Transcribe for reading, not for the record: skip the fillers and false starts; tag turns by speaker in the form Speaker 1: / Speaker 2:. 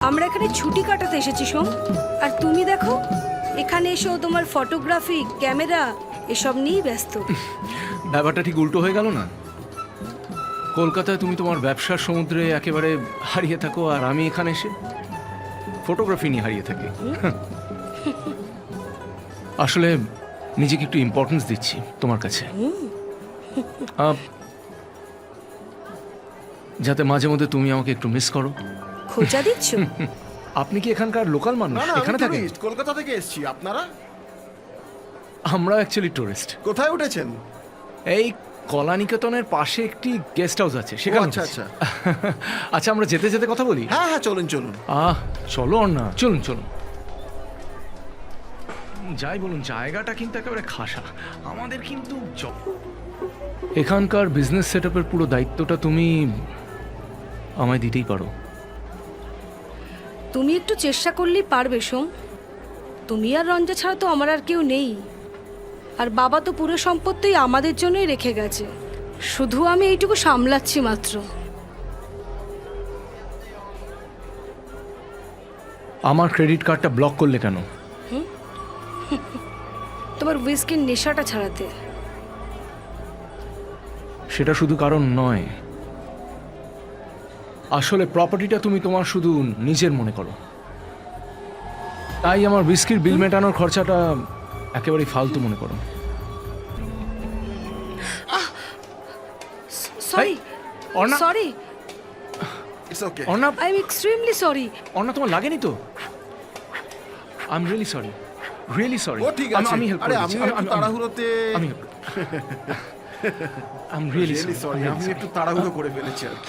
Speaker 1: আমরা এখানে ছুটি কাটাতে এসেছি সোম। আর তুমি দেখো এখানে এসেও তোমার ফটোগ্রাফি ক্যামেরা এসব নিয়েই ব্যস্ত।
Speaker 2: ব্যাপারটা ঠিক উল্টো হয়ে গেল না? কলকাতায় তুমি তোমার ব্যবসার সমুদ্রে একেবারে হারিয়ে থাকো, আর আমি এখানে এসে ফটোগ্রাফি নিয়ে হারিয়ে থাকি। আসলে নিজেকে একটু ইম্পর্টেন্স দিচ্ছি তোমার কাছে, যাতে মাঝে মধ্যে তুমি আমাকে একটু মিস করো।
Speaker 1: খোঁজা দিচ্ছ?
Speaker 2: আপনি কি এখানকার লোকাল মানুষ?
Speaker 3: না না,
Speaker 2: এখানে
Speaker 3: আমি
Speaker 2: থাকেন?
Speaker 3: tourist, কলকাতা থেকে এসেছি। আপনারা
Speaker 2: আমরা অ্যাকচুয়ালি টুরিস্ট।
Speaker 3: কোথায় উঠেছেন?
Speaker 2: এই কলানিকেতনের পাশে একটি গেস্ট হাউস আছে, সেখানে।
Speaker 3: আচ্ছা
Speaker 2: উঠেছি।
Speaker 3: আচ্ছা।
Speaker 2: আচ্ছা, আমরা যেতে যেতে কথা বলি।
Speaker 3: হ্যাঁ হ্যাঁ, চলুন চলুন।
Speaker 2: চলো না, চলুন চলুন। যাই বলুন, জায়গাটা কিন্তু একেবারে খাসা। আমাদের কিন্তু এখানকার বিজনেস সেটআপের পুরো দায়িত্বটা তুমি আমায় দিতেই পারো।
Speaker 1: তুমি একটু চেষ্টা করলেই পারবে সোম। তুমি আর রঞ্জা ছাড়া তো আমার আর কেউ নেই। আর বাবা তো পুরো সম্পত্তি আমাদের জন্যই রেখে গেছে, শুধু আমি এইটুকু সামলাচ্ছি মাত্র।
Speaker 2: আমার ক্রেডিট কার্ডটা ব্লক করলে কেন?
Speaker 1: তোমার হুইস্কির নেশাটা ছাড়াতে।
Speaker 2: সেটা শুধু কারণ নয়, আসলে প্রপার্টিটা তুমি তোমার শুধু নিজের মনে করো, তাই আমার হুইস্কির বিল মেটানোর খরচাটা একেবারেই ফালতু মনে করো।
Speaker 1: Sorry
Speaker 2: Arna,
Speaker 1: sorry,
Speaker 3: it's okay.
Speaker 2: Arna,
Speaker 1: I am extremely sorry.
Speaker 2: Arna, তোমার লাগেনি তো? I am really sorry, really sorry.
Speaker 3: ও ঠিক আছে।
Speaker 2: আমি হেল্প
Speaker 3: আরে
Speaker 2: করে
Speaker 3: আমি
Speaker 2: দিচ্ছি।
Speaker 3: একটু তাড়াহুড়োতে
Speaker 2: আমি রিয়েলি
Speaker 3: সরি, আমি একটু তাড়াহুড়ো করে ফেলেছি আর কি।